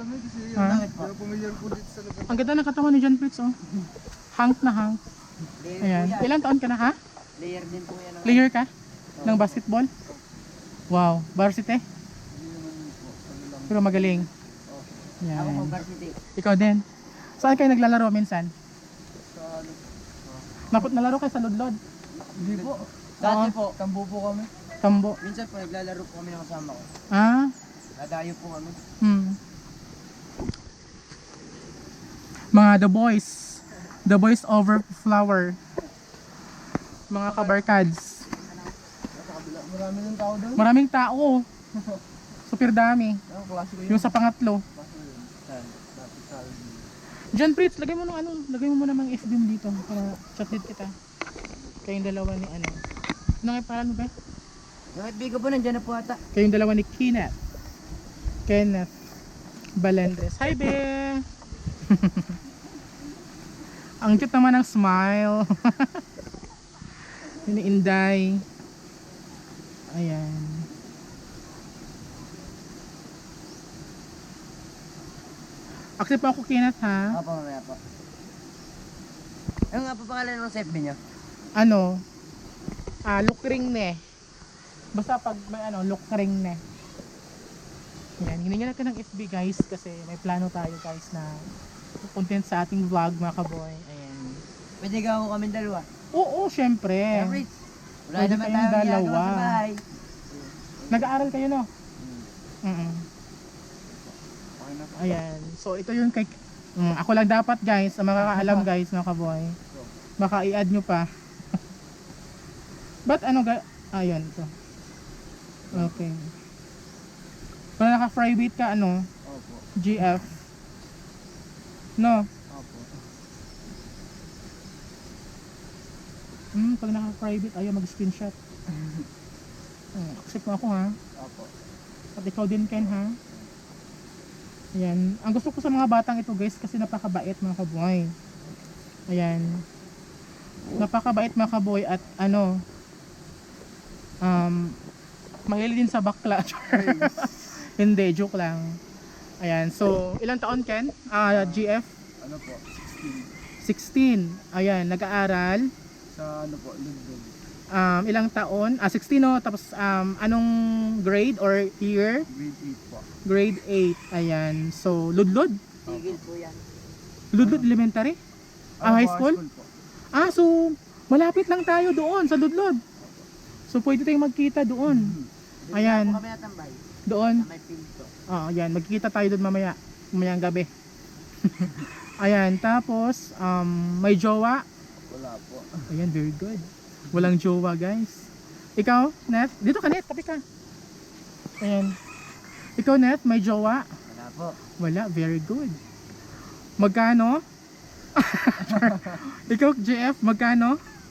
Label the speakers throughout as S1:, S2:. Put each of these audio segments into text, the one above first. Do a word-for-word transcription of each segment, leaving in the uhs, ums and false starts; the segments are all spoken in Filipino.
S1: kami kasi yung
S2: Ha?
S1: langit po. Pamilyar po dito sa lugar.
S2: Ang ganda ng katawan ni John Fritz, oh. Hank na hank.
S3: Layer
S2: Ayan.
S3: po yan.
S2: Ilang taon ka na, ha?
S3: Layer din po yan.
S2: Player ka? Ng basketball? Wow. Varsity?
S1: Hindi naman po. Ano lang.
S2: Pero magaling.
S3: Ako
S2: Ayan.
S3: po varsity.
S2: Ikaw din. Saan kayo naglalaro minsan?
S1: Sa ano.
S2: Napot nalaro kayo sa Ludlod?
S1: Hindi po.
S3: Dati po,
S1: Tambo po kami.
S2: Tambo.
S3: minsan po naglalaro po kami ng kasama ko.
S2: Ah?
S3: Nadayo po kami.
S2: Hmm. Mga The Boys. The Boys Over Flower. Mga kabarkads.
S1: Sa kabila. Marami ng tao doon.
S2: Maraming tao. Super dami.
S1: Ang klase ko yun.
S2: Yung sa pangatlo.
S1: Klase ko yun. Saan? Dati sa
S2: John Fritz, lagay mo ng ano, lagay mo muna ng F B M dito para chat-it kita. Kayong dalawa ni ano. Ano nga yung pangalan mo ba?
S3: Yung F B ko po nandiyan na po ata.
S2: Kayong dalawa ni Kenneth. Kenneth Balendres. Hi, be! Ang cute naman ng smile. Yun ni Inday. Ayan. Accept po ako, Kenneth, ha?
S3: Opo, mamaya po. Ano nga po pangalan ng F B niyo?
S2: Ano? Ah, lukring ne. Basta pag may ano, lukring ne. Yan, hiningan natin ng F B, guys, kasi may plano tayo, guys, na content sa ating vlog, mga kaboy. Ayan.
S3: Pwede ka ako kami dalawa.
S2: Oo, syempre.
S3: Average. Wala
S2: Pwede
S3: naman
S2: kayong
S3: tayong ginagawa
S2: dalawa.
S3: sa bahay.
S2: Nag-aaral kayo, no?
S3: Hmm.
S2: Mm.
S1: Okay na po.
S2: Ayan. So, ito yung kay... Mm, ako lang dapat, guys, ang makakaalam, guys, mga kaboy. Baka i-add nyo pa. Ba't ano, ga... Ayun, ito. Okay. Kung naka-private ka, ano,
S1: Opo.
S2: G F. No?
S1: Opo.
S2: Hmm, pag naka-private, ayaw mag-screenshot. Hmm, accept mo ako, ha?
S1: Opo.
S2: At ikaw din, Ken, ha? Ayan. Ang gusto ko sa mga batang ito, guys, kasi napakabait, mga kaboy. Ayan. Napakabait, mga kaboy, at ano, um, mahilig din sa bakla. Hindi, joke lang. Ayan. So, ilang taon, Ken? Ah, G F?
S1: Ano po? sixteen.
S2: sixteen. Ayan, nag-aaral.
S1: Sa ano po? Lugdog.
S2: Um, ilang taon? Ah, sixteen, no? Tapos, um, anong grade or year?
S1: Grade eight po.
S2: Grade eight. Ayan. So, Ludlod?
S3: Tigil po yan.
S2: Ludlod Elementary? Ah,
S1: Ano
S2: high
S1: po,
S2: school?
S1: po.
S2: Ah, so, malapit lang tayo doon sa Ludlod. So, pwede tayong magkita doon.
S3: Doon
S2: Ayan.
S3: na po kami natambay.
S2: Doon.
S3: Sa may pinto.
S2: Ah, ayan. Magkikita tayo doon mamaya. Mamayang gabi. Ayan. Tapos, um, may jowa.
S1: Wala po.
S2: Ayan, very good. Walang jowa, guys. Ikaw, Neth? Dito ka, Neth. Tabi ka. Ayan. Ikaw, Neth, may jowa?
S3: Wala po.
S2: Wala. Very good. Magkano? Ikaw, J F, magkano?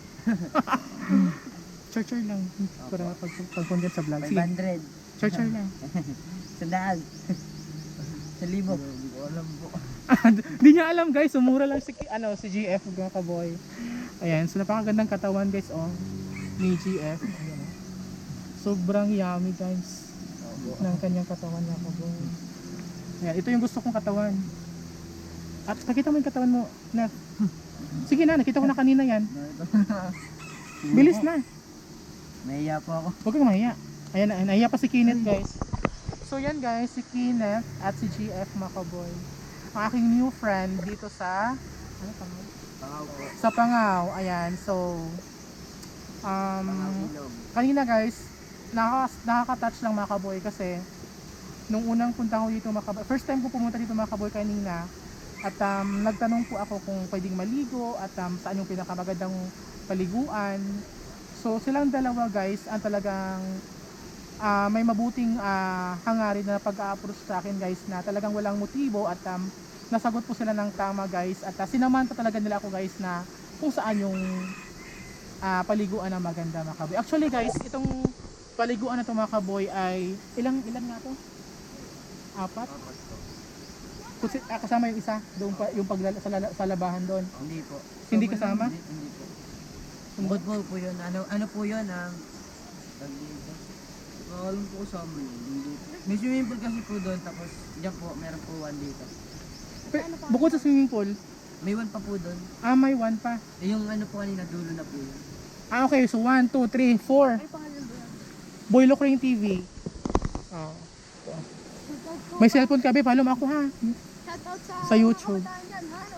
S2: Char-char lang. Para pag pag-content sa vlog.
S3: five
S2: Sige,
S3: hundred.
S2: char-char lang.
S3: Sandaan. Sa libo.
S1: Hindi ko alam po.
S2: Hindi niya alam, guys. Sumura lang si, ano, si G F, mga kaboy. Ayan. So, napakagandang katawan, guys, oh. Ni G F. Ayan, oh. Sobrang yummy, guys.
S1: Opo.
S2: Ng kanyang katawan, mga kaboy. Ayan. Ito yung gusto kong katawan. At nakita mo yung katawan mo, Nat. Sige na, nakita ko na kanina yan. Bilis na.
S3: Nahiya po ako.
S2: Huwag kang mahiya. Ayan, na- nahiya pa si Kenneth, guys. So yan, guys, si Kenneth at si G F, mga kaboy. Ang aking new friend dito sa ano tama?
S1: Tangaw po.
S2: Sa Pangaw. Ayan, so um,
S3: Ilog.
S2: kanina, guys, nakaka nakaka-touch lang, mga kaboy, kasi nung unang punta ko dito, mga kaboy, first time ko pumunta dito, mga kaboy, kanina, at um, nagtanong po ako kung pwedeng maligo at um, saan yung pinakamagandang paliguan. So silang dalawa, guys, ang talagang uh, may mabuting uh, hangarin na pag-a-approach sa akin, guys, na talagang walang motibo at um, nasagot po sila ng tama, guys, at uh, sinamanta talaga nila ako, guys, na kung saan yung uh, paliguan na maganda, mga kaboy. Actually, guys, itong paliguan na to, mga kaboy, ay ilang ilan nga to? Apat? Kasi, ah, kasama yung isa, doon pa, yung pag sa, sa labahan doon.
S3: Hindi po.
S2: Hindi kasama?
S3: Hindi, hindi po. Bukod po po yun. Ano, ano po yun? Ang tag dito.
S1: Nakakalong po sa amin. Hindi.
S3: May swimming pool kasi po doon, tapos dyan po, meron po one dito.
S2: Pe- bukod sa swimming pool,
S3: May one pa po doon.
S2: ah, may one pa.
S3: Eh, yung ano po kanina, dulo na po yun.
S2: Ah, okay. So, one, two, three, four. Boy Locring T V. Oh. May cellphone ka, be. Follow mo ako, ha?
S4: Shoutout sa,
S2: Sa YouTube.
S4: mga kabataan dyan, ha?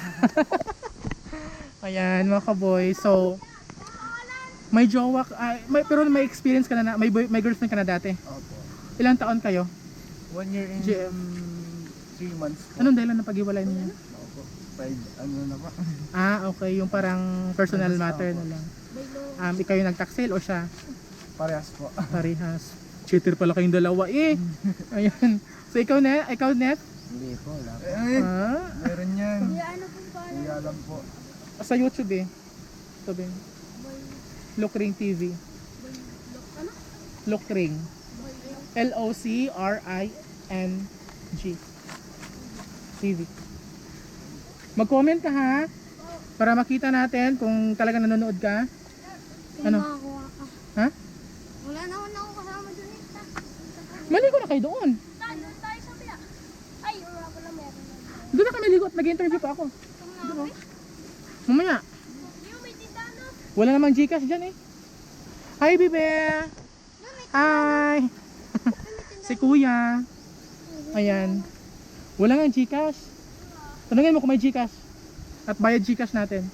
S4: Wala.
S2: Ayan, mga kaboy. So, may jowa, ka- ah, may, pero may experience ka na, na may, boy, may girlfriend ka na dati.
S1: Opo.
S2: Ilang taon kayo?
S1: One year and
S2: G M.
S1: three months po.
S2: Anong dahilan ng pag-iwalay niyo?
S1: Opo. Five, ano na pa.
S2: Ah, okay. Yung parang personal matter na lang. Um, ikaw yung nagtaksil o siya?
S1: Parehas po.
S2: Parehas. Cheater pala kayong dalawa eh. Ayan. So, ikaw net? Ikaw net?
S3: Hindi po, wala po.
S1: Eh,
S2: Ah,
S1: meron yan.
S4: Hindi, ano po pa?
S1: Hindi alam po.
S2: sa YouTube eh. Ito ba? Locring T V.
S4: Ano?
S2: Locring. L O C R I N G. T V. Mag-comment ka ha? Para makita natin kung talagang nanonood ka. Ano?
S4: Makakuha ka.
S2: Ha?
S4: Wala naman ako kasama dun eh.
S2: Maligo na kayo doon.
S4: Tayo, tayo sa biya. Ay, wala pala meron.
S2: Doon na kami ligo at nag-interview pa ako.
S4: Ito nga, eh.
S2: Mamaya.
S4: Yung may titano.
S2: Wala namang Gcash dyan eh. Hi, Bibe! Hi! Si Kuya. Ayan. Wala nga Gcash. Tanungin mo kung may Gcash. At bayad Gcash natin.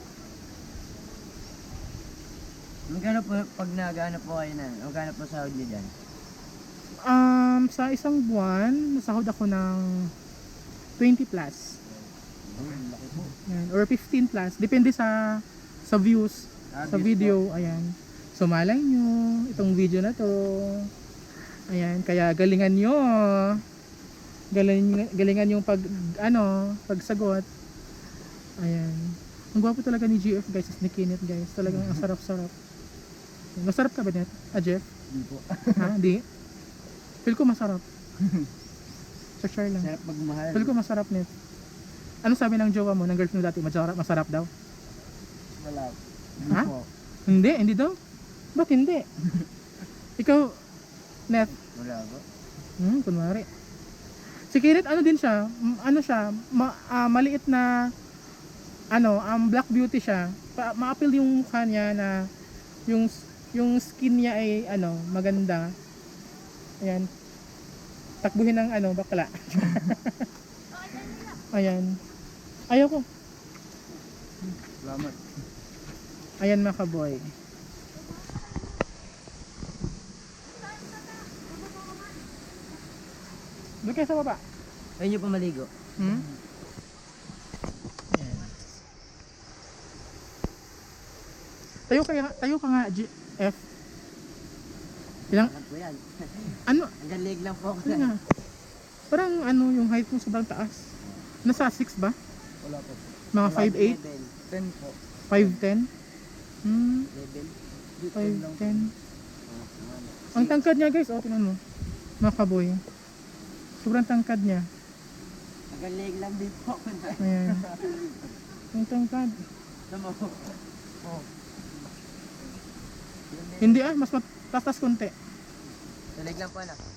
S3: Magkano po, pag nag-ano po kayo na, magkano po sahod niyo dyan?
S2: Um, sa isang buwan, nasahod ako ng twenty plus. Ayan. Or fifteen plus. Depende sa sa views.
S1: Ah,
S2: Sa
S1: views
S2: video. Ayan. So malay nyo, itong video na to. Ayan. Kaya galingan nyo. Galing, galingan yung pag, ano, pagsagot. Ayan. Ang gwapo talaga ni G F guys, ni Kenneth guys. Talagang ang sarap-sarap. Masarap ka ba net? Ah, Jeff?
S1: Hindi po.
S2: Ha? Hindi? Feel ko masarap. So, share lang.
S3: Sarap magmahal.
S2: Feel ko masarap net. Ano sabi ng jowa mo, ng girlfriend mo dati? Masarap, masarap daw?
S1: Wala. Hindi
S2: Ha?
S1: po.
S2: Hindi, hindi daw? Ba't hindi? Ikaw, net?
S3: Wala po.
S2: Hmm, kunwari. Si Kenneth, ano din siya? M- Ano siya? Ma- ah, maliit na, ano, um, black beauty siya. Pa- ma-appeal yung mukha niya na, yung, yung skin niya ay, ano, maganda. Ayan. Takbuhin ng, ano, bakla. Ayan. Ayaw ko.
S1: Salamat.
S2: Ayan mga kaboy. Doon kayo sa baba.
S3: Ayun nyo pa maligo.
S2: Hmm? Ayan. Tayo kaya, tayo ka nga, G F. Ilang,
S3: Ano po yan?
S2: ano,
S3: Hanggang leg lang po ako.
S2: ano nga? Parang ano, yung height mo sobrang taas. Nasa six ba?
S1: Wala po.
S2: Mga five eight?
S3: Level.
S1: Ten po.
S2: five ten? Hmm,
S3: Level.
S2: five ten. Ang tangkad niya guys, oh, tingnan mo. Mga kaboy. Sobrang tangkad niya.
S3: Hanggang leg lang din po ako na.
S2: Ayan. Ang tangkad.
S3: Tama po. Oh.
S2: Hindi ah, mas matatas konti.
S3: Sa leg lang po na.